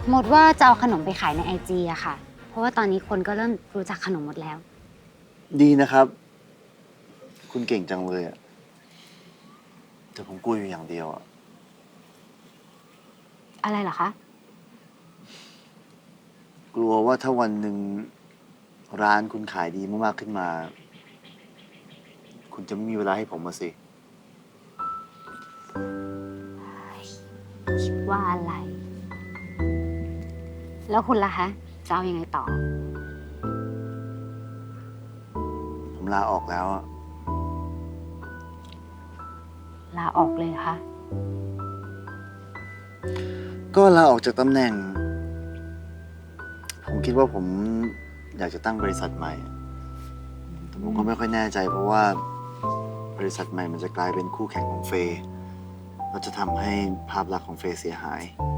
หมดว่าจะเอาขนมไปขายในIGอะค่ะ เพราะว่าตอนนี้คนก็เริ่มรู้จักขนมหมดแล้วดีนะครับ คุณเก่งจังเลยอะแต่ผมกลัวอยู่อย่างเดียวอะอะไรเหรอคะกลัวว่าถ้าวันหนึ่งร้านคุณขายดีมากๆขึ้นมา คุณจะไม่มีเวลาให้ผมมาสิคิดว่าอะไร แล้วคุณล่ะคะจะเอาอยัางไงต่อผมลาออกแล้วอะลาออกเลยเหรอคะก็ลาออกจากตำแหน่ง ผมคิดว่าผมอยากจะตั้งบริษัทใหม่แต่ผมก็ไม่ค่อยแน่ใจเพราะว่าบริษัทใหม่มันจะกลายเป็นคู่แข่งของเฟย์ก็จะทำให้ภาพลักษณ์ของเฟย์เสียหาย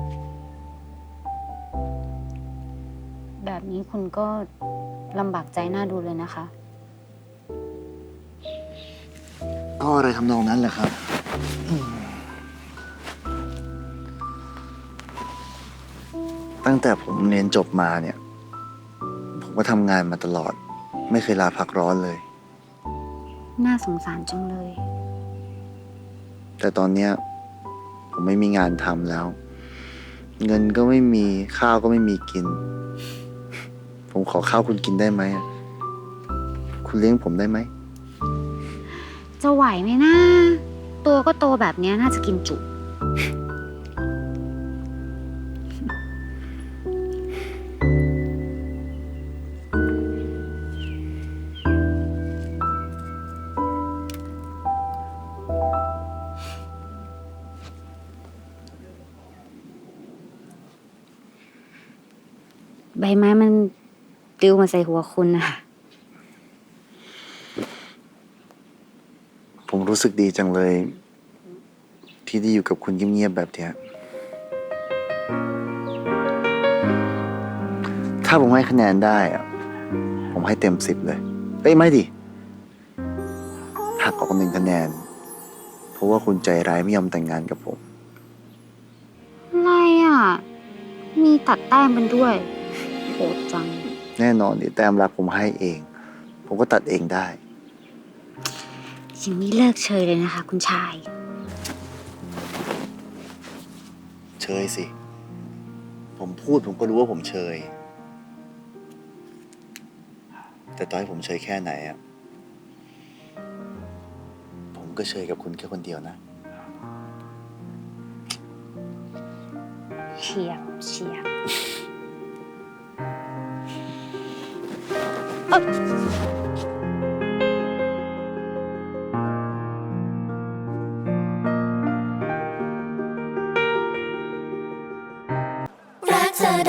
แบบนี้คุณก็ลำบากใจน่าดูเลยนะคะก็อะไรทำนองนั้นแหละครับ ตั้งแต่ผมเรียนจบมาเนี่ย ผมก็ทำงานมาตลอด ไม่เคยลาพักร้อนเลยน่าสงสารจังเลยแต่ตอนเนี้ยผมไม่มีงานทำแล้ว เงินก็ไม่มีข้าวก็ไม่มีกิน ผมขอข้าวคุณกินได้ไหมอะคุณเลี้ยงผมได้ไหมจะไหวไหมนะ ตัวก็โตแบบเนี้ยน่าจะกินจุ ใบไม้มันปลิวมาใส่หัวคุณนะคะผมรู้สึกดีจังเลย ที่ได้อยู่กับคุณเงียบๆแบบเนี้ยถ้าผมให้คะแนนได้อะผมให้เต็ม10เลยเอ้ยไม่ดิหักออก1 คะแนน เพราะว่าคุณใจร้ายไม่ยอมแต่งงานกับผมอะไรอ่ะ มีตัดแต้มกันด้วยโหดจังแน่นอนดิแต้มรักผมให้เอง ผมก็ตัดเองได้ยังไม่เลิกเชยเลยนะคะ คุณชายเชยสิ ผมพูดผมก็รู้ว่าผมเชย แต่ต่อให้ผมเชยแค่ไหนอะผมก็เชยกับคุณแค่คนเดียวนะเฉียบเฉียบรักเธอ